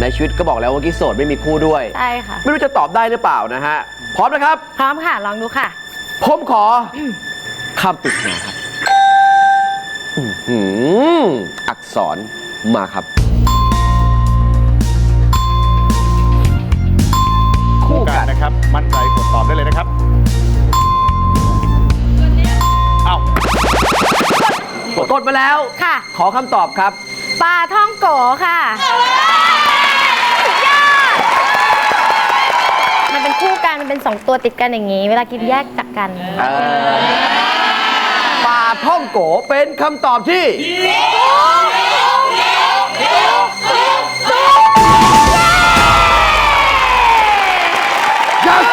ในชีวิตก็บอกแล้วว่ากิ๊กโสดไม่มีคู่ด้วยใช่ค่ะไม่รู้จะตอบได้หรือเปล่านะฮะพร้อมนะครับพร้อมค่ะลองดูค่ะผมขอคำปริศนาครับอักษรมาครับคู่กันนะครับมั่นใจกดตอบได้เลยนะครับเอ้ากดมาแล้วค่ะขอคำตอบครับปลาท่องโกค่ะมันเป็นคู่กันมันเป็น2ตัวติดกันอย่างนี้เวลากินแยกจากกันปลาท่องโกเป็นคำตอบที่ยัง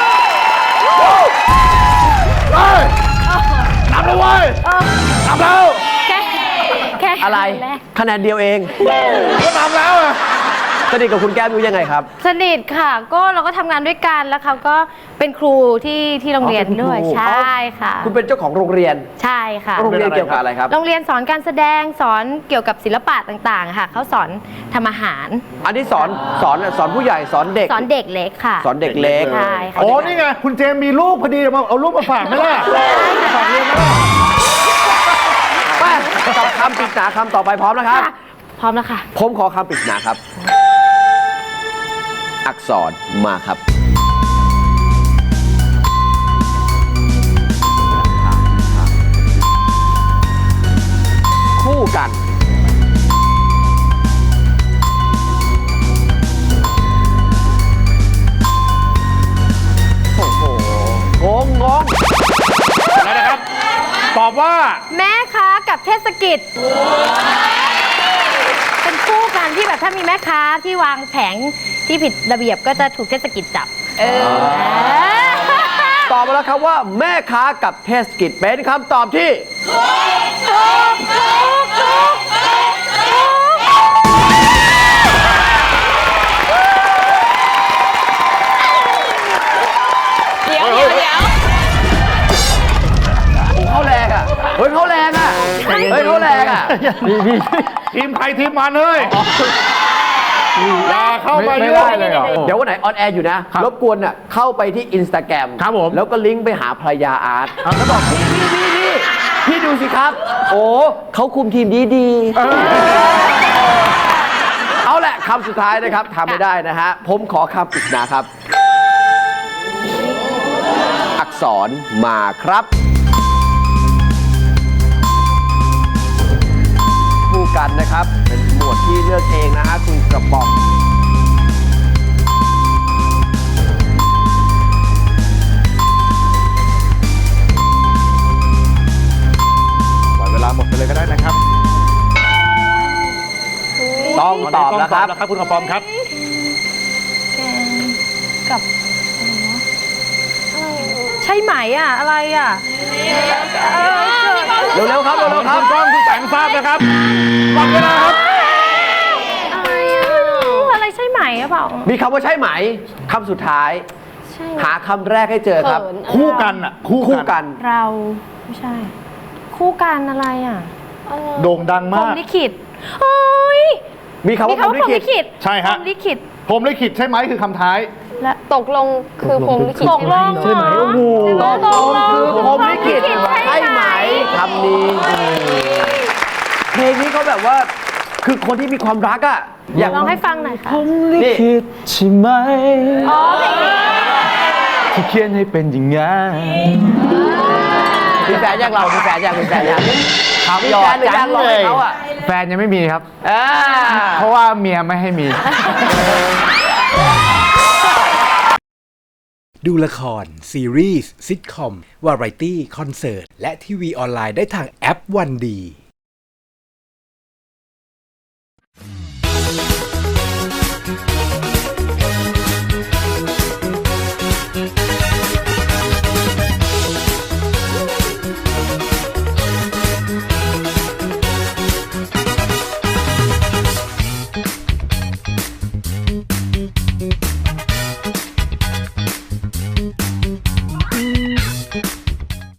นับแล้วเว้ยนับแล้วอะไรคะแนนเดียวเองก็นับแล้วอะสนิทกับคุณแก้มอยู่ยังไงครับสนิทค่ะก็เราก็ทำงานด้วยกันแล้วเขาก็เป็นครูที่โรงเรียนด้วยใช่ค่ะคุณเป็นเจ้าของโรงเรียนใช่ค่ะโรงเรียนเกี่ยวกับอะไรครับโรงเรียนสอนการแสดงสอนเกี่ยวกับศิลปะต่างๆค่ะเขาสอนทำอาหารอันนี้สอนผู้ใหญ่สอนเด็กสอนเด็กเล็กค่ะสอนเด็กเล็กใช่ค่ะโอ้นี่ไงคุณเจมมีลูกพอดีมาเอาลูกมาฝากไหมล่ะฝากเรียนไหมล่ะไปกับคำปริศนาคำต่อไปพร้อมนะครับพร้อมแล้วค่ะผมขอคำปริศนาครับอักษรมาครับคู่กันโอ้โหงงอะไรนะครับตอบว่าแม่ค้ากับเทศกิจเป็นคู่กันที่แบบถ้ามีแม่ค้าที่วางแผงที่ผิดระเบียบก็จะถูกเทศกิจจับตอบมาแล้วครับว่าแม่ค้ากับเทศกิจเป็นคำตอบที่เดี๋ยวเขาแรงอ่ะเฮ้ยเขาแรงอ่ะเขาแรงอ่ะทีมใครทีมมันเลยอย่าเข้ามาเยอะเลยเดี๋ยววันไหนออนแอร์อยู่นะรบกวนอ่ะเข้าไปที่ Instagram ครับผมแล้วก็ลิงก์ไปหาภรรยาอาร์ตแล้วบอกพี่ดูสิครับโอ้เขาคุมทีมดีเอาแหละคำสุดท้ายนะครับทำไม่ได้นะฮะผมขอคำปริศนาครับอักษรมาครับคู่กันนะครับเป็นหมวดที่เลือกเองนะฮะคุณกระป๋องปล่อยเวลาหมดไปเลยก็ได้นะครับต้องตอบแล้วครับคุณกระป๋องครับแกงกับใช่ไหมอ่ะอะไรอ่ะเร็วๆครับคุณกล้องคุณแต่งทราบนะครับหมดเวลาครับอะไรใช่ไหมอ่ะเปล่ามีคำว่าใช่ไหมคำสุดท้ายหาคำแรกให้เจอครับคู่กันอ่ะคู่กันเราไม่ใช่คู่กันอะไรอ่ะโด่งดังมากพรหมลิขิตโอ้ยมีคำว่าพรหมลิขิตใช่ฮะพรหมลิขิตพรหมลิขิตใช่ไหมคือคำท้ายและตกลงคือพรหมลิขิตใช่ไหมโอ้โหตกลงคือพรหมลิขิตใช่ไหมคำนี้เพลงนี้เขาแบบว่าคือคนที่มีความรักอ่ะอยากลองให้ฟังหน่อยค่ะพรหมลิขิตใช่ไหมเพลงนี้ที่เขียนให้เป็นอย่างงั้นมีแฟนยังเรามีแฟนยังมีแฟนยังมีแฟนหรือยังเลยเขาอ่ะแฟนยังไม่มีครับเพราะว่าเมียไม่ให้มีดูละครซีรีส์ซิทคอมวาไรตี้คอนเสิร์ตและทีวีออนไลน์ได้ทางแอปวันดี